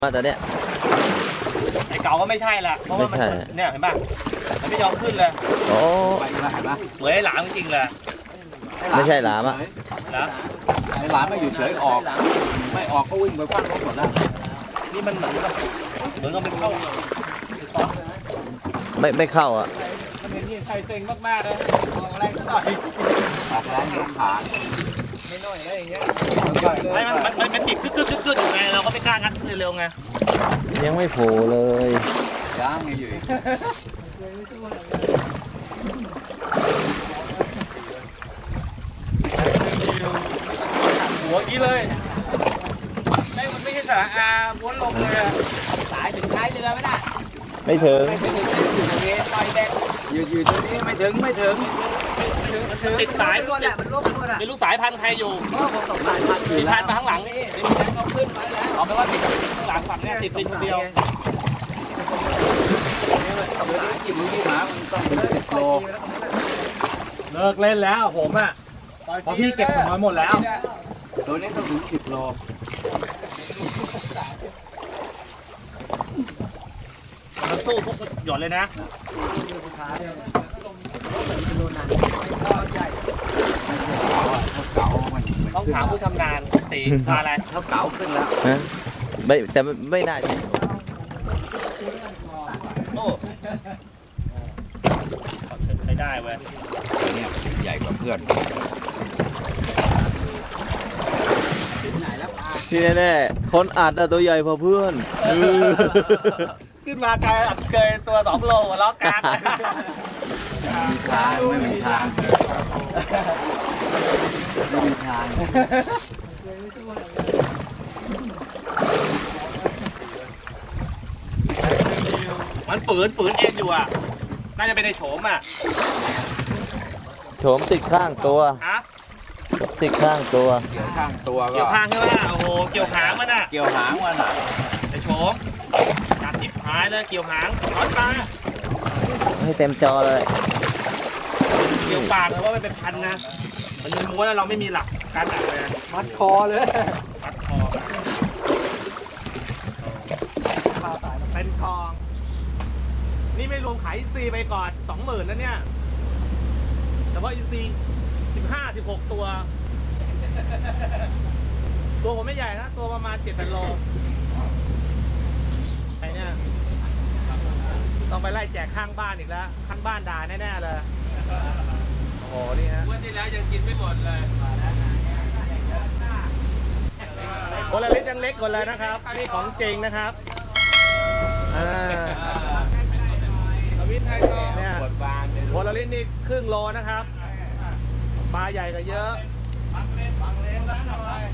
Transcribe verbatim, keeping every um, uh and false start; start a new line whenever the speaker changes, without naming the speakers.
ตอนเนี้ย
ไอ้เก่าก็ไม่ใช่ละเพราะว่ามันเนี่ยเห็นป่ะมันไม่ยอมขึ้นเลย
โอ้
ไปแล้วเห็นป่ะเหมือนไอ้หลามจริงเลย
ไม่ใช่หลามอ่ะ
นะไอ้หลามไม่อยู่เฉยออกไม่ออกก็วิ่งไปคว้างรถหมดแล้วนี่มันเหมือนกับเหมือนกับไม่เข้า
ไม่ไม่เข้าอ่ะ
มันเป็นที่ใส่เซ็งมากๆเลยออกแรงซะหน่อยออกแรงยกขาไม่น้อยอะไรอย่างเงี้ยไม่มันมันมันติดกึกกึกกึกกึกอยู่ไงเราก็ไม่กล้างัดเร็วๆไง
ยังไม่โผล่เลย
ย่างไงอยู่หัวกี้เลยไม่มันไม่ใช่สาอาม้วนลงเลยสายถึงท้ายเรือไหมน่ะ
ไม่ถึง
ไม่ถึงอยู่ตรงนี้ปล่อยแบกอยู่อยู่ตรงนี้ไม่ถึงไม่ถึงติดสายมันมันลูกมันอ่ะไม่รู้สายพันธุ์ใครอยู่ก็ผมตกสายพันธุ์ติดพันธุ์มาข้างหลังนี่ไม่มีแรงเอาขึ้นมาแล้วเอาไปว่าติดข้างหลังฝั่งนี้ติดเป็นคนเดียวเดี๋ยวนี้กี่มือกี่หมามันต้องเป็นสิบโลเลิกเล่นแล้วผมอ่ะพอพี่เก็บผมมาหมดแล้วตัวนี้ต้องถึงสิบโลมันสู้ทุกหย่อนเลยนะต้องถามผู้ชำนาญตีพาอะไรเท้าเก๋าขึ้นแล้ว
ไม่แต่ไม่น่าใช่
โอ้ใช้ได้เว้ยเนี่ยใหญ่กว่าเพื่อน
ที่แน่ๆคนอัดอะตัวใหญ่พอเพื่อน
ขึ้นมาไกลอัดเกยตัวสองโลหัวล้อกลางมีทางไม่มีทางไม่มีทางมันฝืนฝืนเองอยู่อ่ะน่าจะเป็นในโฉมอ่ะ
โฉมติดข้างตัว
ฮะ
ติดข้างตัว
เกี่ยวข้างตัวเกี่ยวข้างใช่ไหมโอ้โหเกี่ยวหางมันอ่ะเกี่ยวหางมันอ่ะในโฉมจับจิบหายเลยเกี่ยวหางถอนตา
ให้เต็มจอเลย
เกี่ยวปากเลยว่ามันเป็นพันนะมันมีม้วนแล้วเราไม่มีหลักการอัดเลยมัดคอเลยมัดคอเป็นทองนี่ไม่รวมขายอินซีไปก่อนสองหมื่นนะเนี่ยแต่ว่าอินซีสิบห้าสิบหกตัวตัวผมไม่ใหญ่นะตัวประมาณเจ็ดแปดโลไอ้เนี่ยต้องไปไล่แจกข้างบ้านอีกแล้วข้างบ้านด่าแน่ๆเลยโอ้โหนี่ฮะวันที่แล้วยังกินไม่หมดเลยคนละเล็กยังเล็กคนเลยนะครับอันนี้ของจริงนะครับอ่าเนี่ยคนละลิ้นนี่ครึ่งโลนะครับปลาใหญ่ก็เยอะ